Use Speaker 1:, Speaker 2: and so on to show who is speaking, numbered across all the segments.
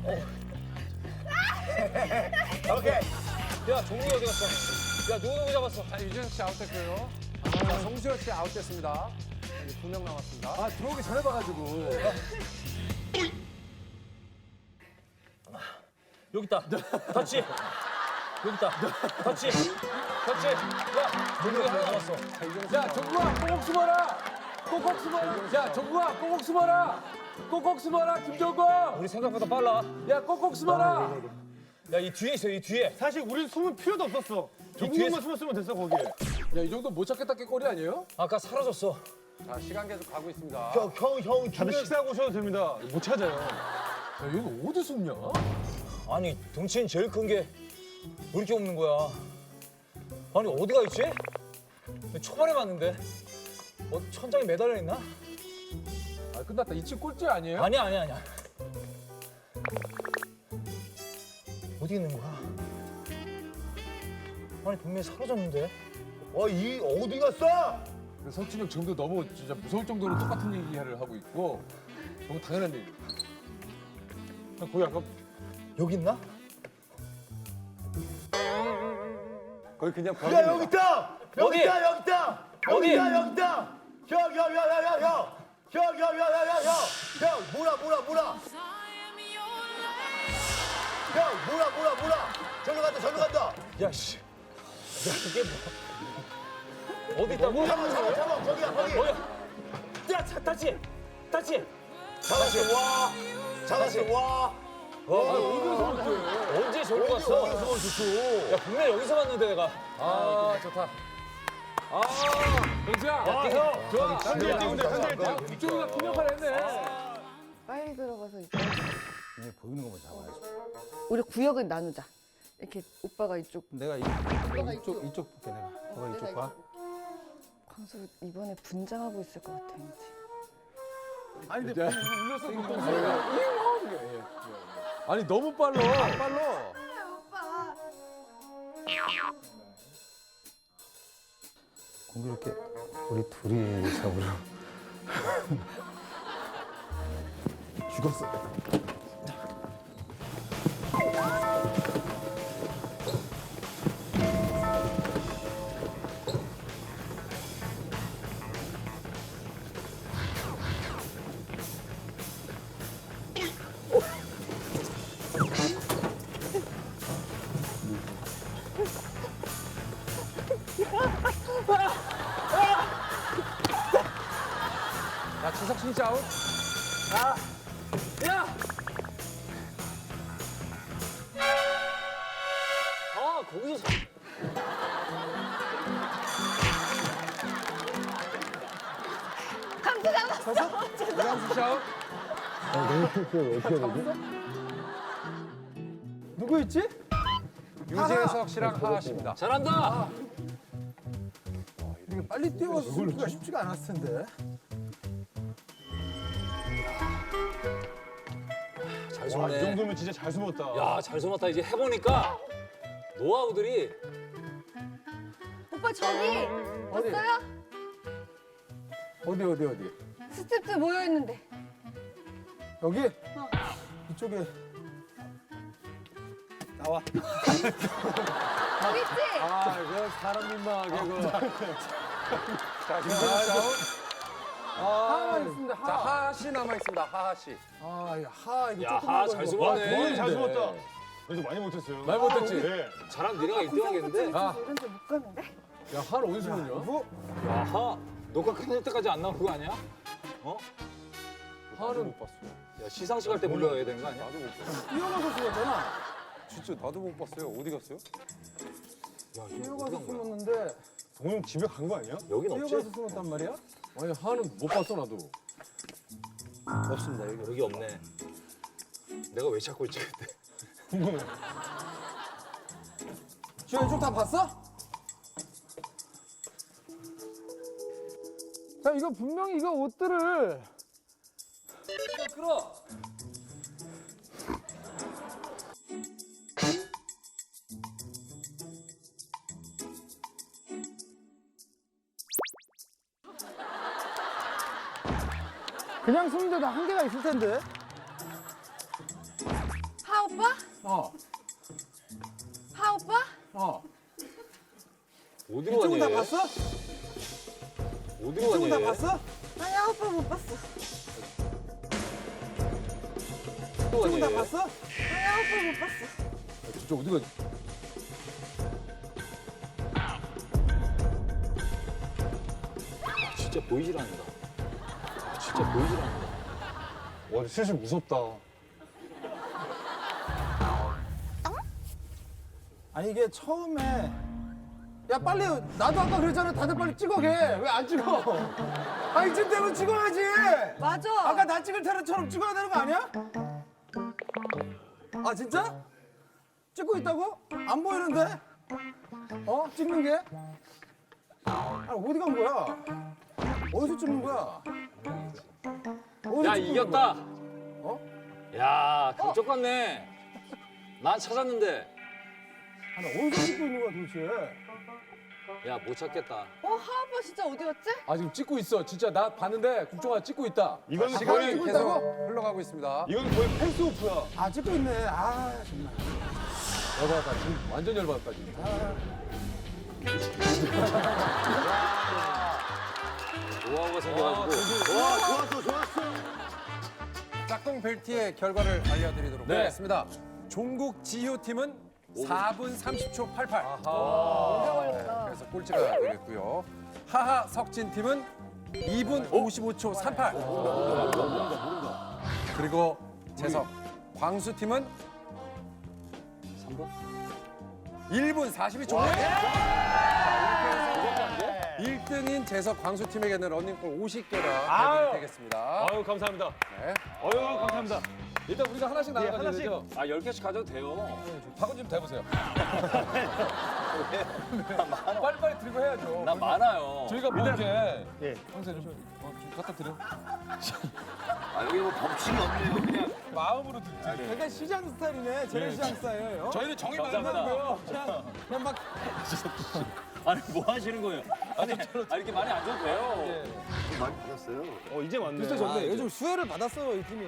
Speaker 1: 오케이. 야, 종국이 어디 갔어? 야, 누구 잡았어?
Speaker 2: 자, 유재석 씨 아웃됐고요. 자, 송수혁 씨 아웃됐습니다. 이제 2명 남았습니다.
Speaker 3: 아, 들어오기 전에 봐가지고.
Speaker 1: 여기 있다. 터치. 여기 있다. 터치. 터치. 야, 종국이 하나 남았어.
Speaker 3: 야, 정국아, 꼭꼭 숨어라! 꼭꼭 숨어라! 야, 정국아, 꼭꼭 숨어라! 꼭꼭 숨어라, 김정국!
Speaker 1: 우리 생각보다 빨라.
Speaker 3: 야, 꼭꼭 숨어라!
Speaker 1: 야, 이 뒤에 있어, 이 뒤에.
Speaker 4: 사실 우린 숨을 필요도 없었어. 종국만 숨었으면 됐어 거기에.
Speaker 3: 야, 이 정도 못 찾겠다 게 꼴이 아니에요?
Speaker 1: 아까 사라졌어.
Speaker 2: 자, 시간 계속 가고 있습니다.
Speaker 4: 형 다들 식사하고 오셔도 됩니다. 못 찾아요.
Speaker 3: 야, 얘는 어디 숨냐?
Speaker 1: 아니, 덩치는 제일 큰 게 왜 이렇게 없는 거야? 아니, 어디가 있지? 초반에 봤는데. 천장에 매달려 있나?
Speaker 3: 아, 끝났다. 이 집 꼴찌 아니에요?
Speaker 1: 아니야, 아니야, 아니야. 어디 있는 거야? 아니, 분명히 사라졌는데.
Speaker 5: 이 어디 갔어?
Speaker 3: 석진이 형 정도 너무 진짜 무서울 정도로 똑같은 얘기를 하고 있고 너무 당연한 얘기.
Speaker 4: 거기 아까
Speaker 1: 여기 있나?
Speaker 4: 거기 그냥
Speaker 5: 야 여기 있다. 여기
Speaker 1: 어디?
Speaker 5: 있다. 여기 있다. 여기
Speaker 1: 어디?
Speaker 5: 있다. 여기 있다. 형 뭐라. 형 뭐라. 절로 간다.
Speaker 1: 야, 씨. 야, 이게 뭐. 어디 있다고?
Speaker 5: 잡아. 거기야.
Speaker 1: 뭐야? 야, 타치.
Speaker 5: 잡았어. 와.
Speaker 1: 언제 저기 갔어? 야, 분명히 여기서 봤는데 내가.
Speaker 3: 아, 좋다. 아, 영수야. 좋아.
Speaker 4: 한대 찍은데 한대
Speaker 3: 야, 이쪽이가 큰 역할을 했네.
Speaker 6: 빨리 들어가서 이쪽. 보이는 것만 잡아야지. 우리 구역은 나누자. 이렇게 오빠가 이쪽.
Speaker 7: 내가
Speaker 6: 오빠가
Speaker 7: 이쪽 볼게 내가. 너가 이쪽 봐.
Speaker 6: 광수 이번에 분장하고 있을 것 같아 왠지.
Speaker 3: 아니, 근데 울렸어. 아니, 너무 빨라. 빨라.
Speaker 7: 공교롭게 우리 둘이 잡으러 죽었어.
Speaker 3: 야, 지석진 씨 아웃. 야!
Speaker 1: 아, 거기서.
Speaker 3: 이광수 씨 아웃.
Speaker 7: 누구 있지?
Speaker 2: 유재석 씨랑 하하 씨입니다.
Speaker 1: 잘한다.
Speaker 7: 이게 빨리 뛰어서 숨기가 쉽지가 않았을 텐데.
Speaker 1: 잘
Speaker 4: 와, 이
Speaker 1: 숨네.
Speaker 4: 정도면 진짜 잘 숨었다.
Speaker 1: 야, 잘 숨었다. 이제 해보니까 노하우들이.
Speaker 6: 오빠 저기 봤어요?
Speaker 7: 어디?
Speaker 6: 스텝들 모여 있는데.
Speaker 7: 여기? 이쪽에 나와.
Speaker 6: 여기 있지?
Speaker 3: 아, 그 사람 민망하게 그.
Speaker 2: 자, 김재석 씨 아웃.
Speaker 7: 하하만 있습니다.
Speaker 2: 자, 하하 씨 남아 있습니다. 하하 씨.
Speaker 7: 아, 하 이거
Speaker 1: 야,
Speaker 7: 조그만 거
Speaker 1: 잘
Speaker 7: 이거.
Speaker 1: 숨었네.
Speaker 4: 거의 잘 숨었다. 그래도 많이 못했어요.
Speaker 3: 말 못했지?
Speaker 4: 네.
Speaker 1: 잘하면 니네가 1등하겠는데?
Speaker 3: 아,
Speaker 6: 이런 데 못 가는데?
Speaker 3: 야, 하는 어디서 보냐?
Speaker 1: 야하, 녹화 끝날 때까지 안 나온 거 아니야?
Speaker 3: 하는 못 봤어.
Speaker 1: 야, 시상식 할 때 불러야 되는 거 아니야?
Speaker 7: 뛰어가서 숨었잖아.
Speaker 2: 진짜 나도 못 봤어요. 어디 갔어요?
Speaker 1: 야, 이거
Speaker 7: 뛰어가서
Speaker 1: 어디 간 거야?
Speaker 7: 숨었는데
Speaker 4: 동영 집에 간 거 아니야?
Speaker 1: 여긴
Speaker 7: 뛰어가서
Speaker 1: 없지?
Speaker 7: 숨었단 말이야?
Speaker 3: 아니, 하는 못 봤어, 나도.
Speaker 1: 없습니다. 여기 없네. 내가 왜 찾고 있지 그때?
Speaker 4: 궁금해.
Speaker 7: 지금 이쪽 다 봤어? 자, 이거 분명히 이거 옷들을
Speaker 1: 끌어.
Speaker 7: 그냥 숨는데도 한계가 있을 텐데.
Speaker 6: 오빠?
Speaker 3: 어.
Speaker 6: 하 오빠?
Speaker 3: 어.
Speaker 1: 어디로
Speaker 7: 이쪽은 다
Speaker 1: 가니?
Speaker 7: 봤어?
Speaker 1: 어디로
Speaker 7: 이쪽은 다
Speaker 1: 가니?
Speaker 7: 봤어?
Speaker 6: 아니 하 오빠 못 봤어.
Speaker 7: 이쪽은 다 봤어?
Speaker 6: 아니 하 오빠 못 봤어.
Speaker 3: 진짜 어디 가지?
Speaker 1: 진짜 보이질 않는다. 진짜 보이질 않는다.
Speaker 4: 와, 슬슬 무섭다.
Speaker 7: 아니 이게 처음에 야 빨리 나도 아까 그랬잖아 다들 빨리 찍어게 왜 안 찍어? 아 이쯤 되면 찍어야지.
Speaker 6: 맞아.
Speaker 7: 아까 나 찍을 때처럼 찍어야 되는 거 아니야? 아 진짜? 찍고 있다고? 안 보이는데? 어? 찍는 게? 아 어디 간 거야? 어디서 찍는 거야? 어디서
Speaker 1: 야
Speaker 7: 찍는
Speaker 1: 이겼다.
Speaker 7: 거야? 어?
Speaker 1: 야 그쪽 같네. 난 찾았는데.
Speaker 7: 아니 어디서 찍고 있는 거야 도대체?
Speaker 1: 야 못 찾겠다.
Speaker 6: 하 오빠 진짜 어디 갔지?
Speaker 3: 아 지금 찍고 있어. 진짜 나 봤는데 국정아 찍고 있다.
Speaker 4: 이건
Speaker 2: 시간이
Speaker 4: 거의,
Speaker 2: 계속 흘러가고 있습니다.
Speaker 4: 이건 거의 패스오프야.
Speaker 7: 아 찍고 있네. 아 정말.
Speaker 3: 열받았다. 지금 완전 열받았다 지금.
Speaker 1: 노하우가 생겨가지고.
Speaker 5: 와, 좋았어, 좋았어.
Speaker 2: 짝꿍 벨트의 결과를 알려드리도록
Speaker 1: 네.
Speaker 2: 하겠습니다. 종국 지효 팀은 4분 30초 88. 그래서 꼴찌가 되겠고요. 하하 석진 팀은 2분 55초 38. 그리고 재석 광수 팀은
Speaker 1: 3번?
Speaker 2: 1분 42초. 1등인 재석 광수 팀에게는 런닝볼 50개가 되겠습니다.
Speaker 4: 아유, 감사합니다.
Speaker 2: 네.
Speaker 4: 아유, 감사합니다.
Speaker 3: 일단 우리가 하나씩 나눠가지고
Speaker 4: 하나씩.
Speaker 3: 되죠?
Speaker 1: 아 10개씩 가져도 돼요.
Speaker 3: 박은 좀 대보세요. 빨리빨리 들고 해야죠.
Speaker 1: 난 많아요.
Speaker 3: 저희가 뭐 이렇게
Speaker 5: 예.
Speaker 3: 형사 좀 갖다 드려.
Speaker 1: 아 여기 뭐 법칙이 없네요. 그냥.
Speaker 3: 마음으로 드리지.
Speaker 7: 약간 시장 스타일이네. 재래시장 스타일. 어?
Speaker 3: 저희는 정이
Speaker 1: 감사합니다.
Speaker 3: 많고요.
Speaker 7: 그냥 막
Speaker 1: 아니 뭐 하시는 거예요? 아니 이렇게 많이 안 줘도 돼요.
Speaker 5: 많이 받았어요.
Speaker 4: 이제 왔네.
Speaker 7: 비슷해졌네. 요즘 수혜를 받았어요 이 팀이.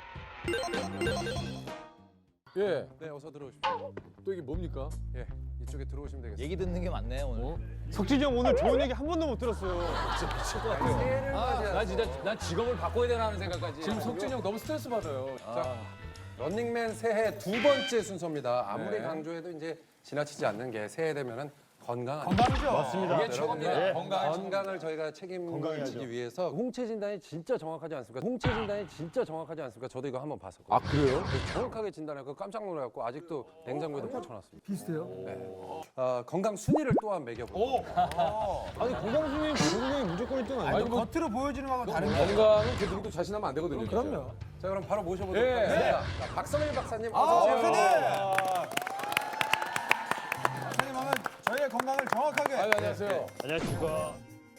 Speaker 3: 예.
Speaker 2: 네, 어서 들어오십시오.
Speaker 3: 또 이게 뭡니까?
Speaker 2: 예, 이쪽에 들어오시면 되겠습니다.
Speaker 1: 얘기 듣는 게 많네 오늘.
Speaker 4: 석진이 형 오늘 좋은 얘기 한 번도 못 들었어요.
Speaker 1: 미칠 것 같아요. 난 진짜 난 직업을 바꿔야 되나 하는 생각까지.
Speaker 3: 지금 석진이 형 너무 스트레스 받아요.
Speaker 2: 자, 런닝맨 새해 두 번째 순서입니다. 아무리
Speaker 3: 네.
Speaker 2: 강조해도 이제 지나치지 않는 게 새해 되면은 건강
Speaker 7: 건강이죠.
Speaker 4: 맞습니다.
Speaker 1: 이게 최고입니다.
Speaker 2: 건강을 저희가 책임지기 위해서 홍채 진단이 진짜 정확하지 않습니까? 홍채 진단이 진짜 정확하지 않습니까? 저도 이거 한번 봤었거든요.
Speaker 3: 아 그래요?
Speaker 2: 정확하게 진단해서 깜짝 놀라갖고 아직도 냉장고에도 꽂혀놨습니다.
Speaker 7: 비슷해요.
Speaker 2: 네. 건강 순위를 또한 매겨보고
Speaker 4: 아니, 건강수님, 건강이 무조건 1등 아니에요?
Speaker 3: 아니 뭐
Speaker 7: 겉으로 보여지는 거하고 다른 거.
Speaker 3: 건강은 그 누구도 자신하면 안 되거든요. 진짜.
Speaker 7: 그럼요.
Speaker 2: 자 그럼 바로 모셔보도록
Speaker 3: 예.
Speaker 2: 하겠습니다. 자, 박성일 박사님 어서 오세요.
Speaker 7: 선생님 오늘 저희의 건강을 정확하게.
Speaker 3: 아유 안녕하세요.
Speaker 4: 안녕하십니까.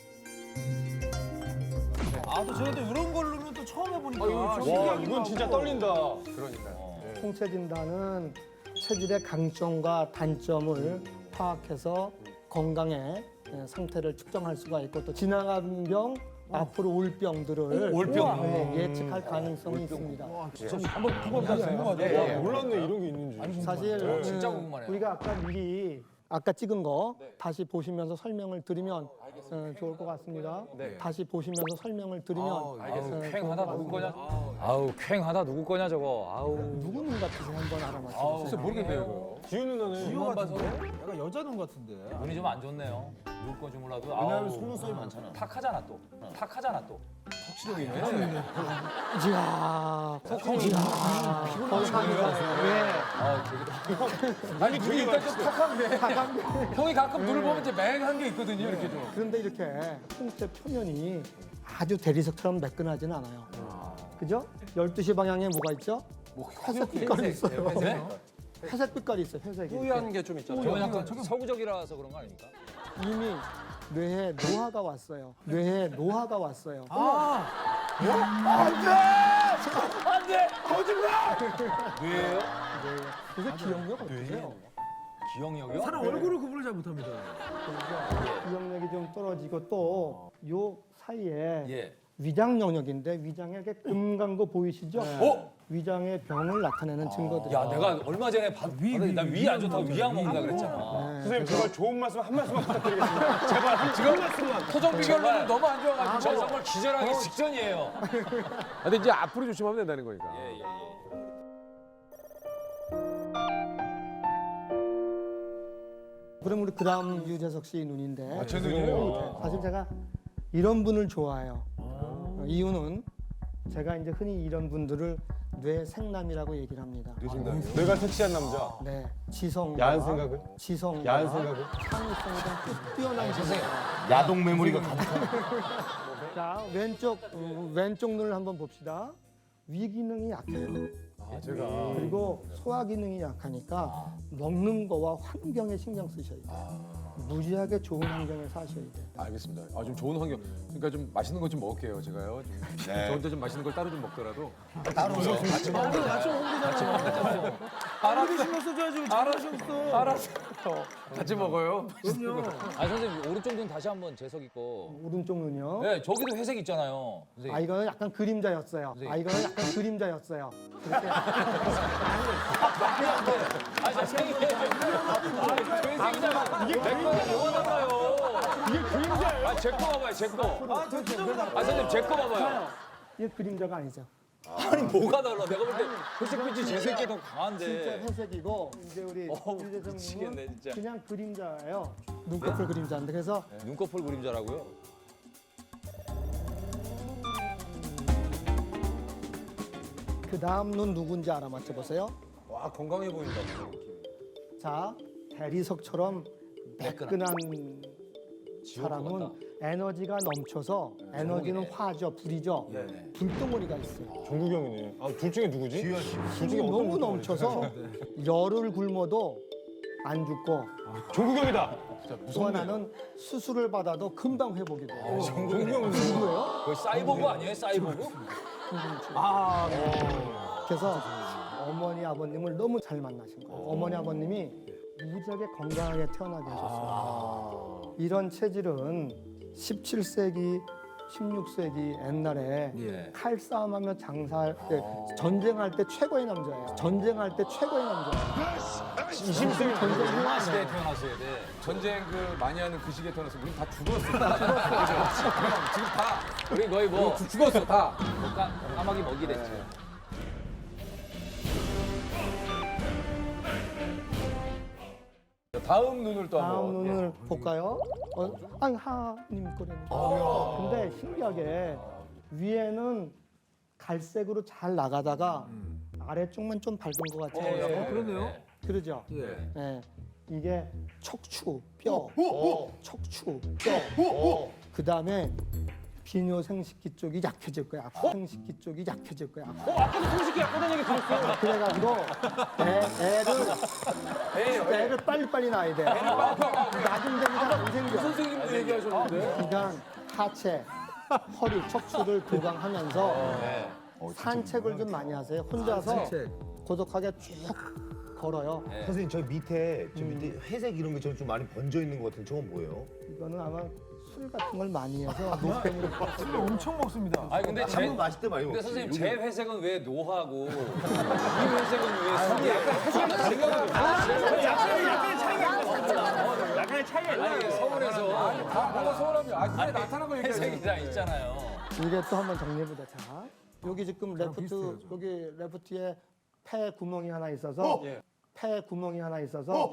Speaker 7: 또 저희도 이런 걸로는 또 처음 해보니까.
Speaker 4: 와, 이건 진짜 떨린다.
Speaker 2: 그러니까요. 예.
Speaker 8: 홍채 진단은 체질의 강점과 단점을 파악해서 건강의 상태를 측정할 수가 있고 또 지나간 병, 앞으로 올 병들을 예측할 가능성이 있습니다.
Speaker 3: 한번 궁금하다.
Speaker 4: 몰랐네, 이런 게 있는지.
Speaker 8: 사실
Speaker 1: 진짜 궁금하네요.
Speaker 8: 우리가 아까 미리 아까 찍은 거 다시 보시면서 설명을 드리면 좋을 것 같습니다. 다시 보시면서 설명을 드리면
Speaker 1: 쾌하다 누구 거냐? 아우 쾌하다 누구 거냐 저거. 아우.
Speaker 8: 누구 눈 같으세요? 한번 알아맞혀
Speaker 3: 진짜 모르겠네요 이거.
Speaker 4: 지훈 누나는.
Speaker 7: 이거 같은데? 약간 여자 눈 같은데.
Speaker 1: 눈이 좀 안 좋네요. 누구 건지 몰라도. 왜냐하면 속눈썹이 많잖아. 탁하잖아 또. 탁하잖아 또.
Speaker 8: 이야,
Speaker 3: 아니 그게 일단 좀 탁한데. 형이 가끔 눈을 보면 이제 맹한 게 있거든요 이렇게 좀.
Speaker 8: 그런데 이렇게 홍채 표면이 아주 대리석처럼 매끈하지는 않아요. 그죠? 12시 방향에 뭐가 있죠? 회색 빛깔이 있어요. 회색 빛깔이 있어요, 회색이.
Speaker 2: 뿌연 게 좀 있잖아요.
Speaker 1: 저건 약간 서구적이라서 그런 거 아닙니까?
Speaker 8: 이미 뇌에 노화가 왔어요. 뇌에 노화가 왔어요.
Speaker 1: 뇌예요?
Speaker 8: 그게 기억력 어떠세요?
Speaker 1: 기억력이요?
Speaker 7: 얼굴을 구분을 잘 못합니다.
Speaker 8: 기억력이 좀 떨어지고 또 요 사이에
Speaker 1: 예.
Speaker 8: 위장 영역인데 위장에 이렇게 금간 거 보이시죠? 위장의 병을 나타내는 증거들이.
Speaker 1: 야, 내가 얼마 전에 나위 안 좋다고 위약 먹는다 그랬잖아.
Speaker 4: 선생님 제발 좋은 말씀 한 말씀만 부탁드리겠습니다. 제발 한 말씀만.
Speaker 2: 토종 비결로는 너무 안 좋아가지고.
Speaker 1: 저 정말 기절하기 직전이에요.
Speaker 3: 근데 이제 앞으로 조심하면 된다는 거니까.
Speaker 1: 예.
Speaker 8: 그럼 우리 그다음 유재석 씨 눈인데.
Speaker 2: 제 눈이에요?
Speaker 8: 사실 제가 이런 분을 좋아해요. 이유는 제가 이제 흔히 이런 분들을 뇌생남이라고 얘기를 합니다.
Speaker 4: 내가 섹시한 남자.
Speaker 8: 네, 지성과
Speaker 4: 야한 생각을?
Speaker 8: 지성과
Speaker 4: 야한 생각을?
Speaker 8: 창의성이 좀 뛰어난 선생.
Speaker 5: 야동 메모리가 가득한.
Speaker 8: 자, 왼쪽 눈을 한번 봅시다. 위 기능이 약해요.
Speaker 4: 제가
Speaker 8: 그리고 소화 기능이 약하니까 먹는 거와 환경에 신경 쓰셔야 돼요. 무지하게 좋은 환경에 사셔야 돼요.
Speaker 2: 알겠습니다. 좀 좋은 환경. 그러니까 좀 맛있는 거 좀 먹을게요, 제가요. 저 혼자 좀 맛있는 걸 따로 좀 먹더라도.
Speaker 3: 아무리 신경 써줘야지 왜 자꾸 신경 써.
Speaker 2: 알았어. 같이 먹어요.
Speaker 1: 아, 선생님 오른쪽 눈 다시 한번 재석이 거.
Speaker 8: 오른쪽 눈이요.
Speaker 1: 네, 저기도 회색 있잖아요. 선생님.
Speaker 8: 아, 이거는 약간 그림자였어요. 그렇게
Speaker 1: 이게 그림자예요. 이게 그림자예요. 제 거 봐봐요, 제 거. 선생님 제 거 봐봐요.
Speaker 8: 이게 그림자가 아니죠.
Speaker 1: 아니 뭐가 달라? 내가 볼 때 회색빛이 재색이 더 강한데.
Speaker 8: 진짜 회색이고 이제 우리 유재석님은
Speaker 1: 미치겠네, 진짜.
Speaker 8: 그냥 그림자예요. 눈꺼풀 그림자인데 그래서
Speaker 1: 눈꺼풀 그림자라고요?
Speaker 8: 그 다음 눈 누군지 알아 맞춰보세요.
Speaker 2: 와, 건강해 보인다.
Speaker 8: 자, 대리석처럼 매끈한 사람은 에너지가 넘쳐서 에너지는 화죠, 불이죠. 불덩어리가 있어요.
Speaker 4: 종국이 형이네. 아, 둘 중에 누구지? 둘 중에
Speaker 8: 힘이
Speaker 4: 어떤
Speaker 8: 너무
Speaker 4: 분이
Speaker 8: 넘쳐서 열을 굶어도 안 죽고
Speaker 4: 종국이 형이다.
Speaker 8: 또 하나는 수술을 받아도 금방 회복이 돼요.
Speaker 4: 종국이 형은
Speaker 8: 누구예요?
Speaker 1: 거의 사이보그 아니에요? 사이보그?
Speaker 8: 그래서 어머니 아버님을 너무 잘 만나신 거예요. 어머니 아버님이 무지하게 건강하게 태어나게 하셨어요. 이런 체질은 17세기, 16세기 옛날에 칼싸움하며 장사할 때 전쟁할 때 최고의 남자예요. 전쟁할 때 최고의 남자예요.
Speaker 4: 20세기
Speaker 8: 전쟁
Speaker 1: 시대에
Speaker 8: 후에
Speaker 1: 태어났어야 돼.
Speaker 2: 전쟁 많이 하는 그 시기에 태어나서 우린 다 죽었어. 지금 다
Speaker 1: 우리 거의 뭐
Speaker 2: 죽었어, 다.
Speaker 1: 까마귀 먹이 됐지.
Speaker 2: 다음 눈을 또
Speaker 8: 다음
Speaker 2: 한번.
Speaker 8: 눈을 볼까요? 아니 하님 거래니까. 근데 신기하게 위에는 갈색으로 잘 나가다가 아래쪽만 좀 밝은 것 같아요.
Speaker 3: 그러네요.
Speaker 8: 그러죠?
Speaker 2: 예.
Speaker 8: 네. 이게 척추, 뼈, 척추, 뼈. 그 다음에 비뇨생식기 쪽이 약해질 거야. 생식기 쪽이 약해질 거야.
Speaker 4: 아까도 성식이 약하다는 얘기 들었어요.
Speaker 8: 그래가지고 애를 빨리빨리 낳아야 돼. 낮은 데보다 안 생겨.
Speaker 2: 선생님도 얘기하셨는데.
Speaker 8: 그러니까 하체, 허리, 척추를 보강하면서 산책을 좀 많이 하세요. 혼자서 고독하게 쭉 걸어요.
Speaker 5: 선생님 저 밑에 회색 이런 게 좀 많이 번져 있는 것 같은데 저건 뭐예요?
Speaker 8: 이거는 아마 술 같은 걸 많이 해서 노폐물을
Speaker 3: 엄청 먹습니다.
Speaker 1: 아니 근데
Speaker 5: 한번 마실 때 많이
Speaker 1: 근데
Speaker 5: 먹지.
Speaker 1: 선생님 제 회색은 왜 노하고 이 회색은 왜 술이 약간
Speaker 4: 약간의 차이가
Speaker 1: 아니 서울에서
Speaker 2: 다 뭐가 서운합니다. 그래 나타난 거 얘기하죠.
Speaker 1: 회색이 다 있잖아요.
Speaker 8: 이게 또 한번 정리해보자. 자, 여기 지금 여기 레프트에 폐 구멍이 하나 있어서 폐 구멍이 하나 있어서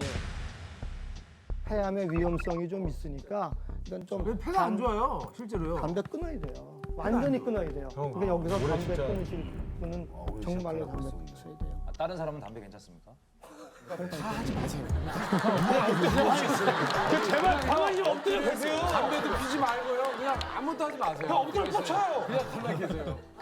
Speaker 8: 폐암의 위험성이 좀 있으니까 이건 좀
Speaker 3: 왜 폐가 안 좋아요? 실제로요.
Speaker 8: 담배 끊어야 돼요. 완전히 끊어야 돼요. 그러니까 여기서 담배 끊으실 분은 정말로 담배 끊으셔야 돼요.
Speaker 1: 다른 사람은 담배 괜찮습니까?
Speaker 4: 제발 가만히 좀 엎드려 계세요.
Speaker 2: 담배도 피지 말고요. 그냥 아무것도 하지 마세요.
Speaker 4: 엎드려 뻗쳐요.
Speaker 2: 그냥 가만히 계세요.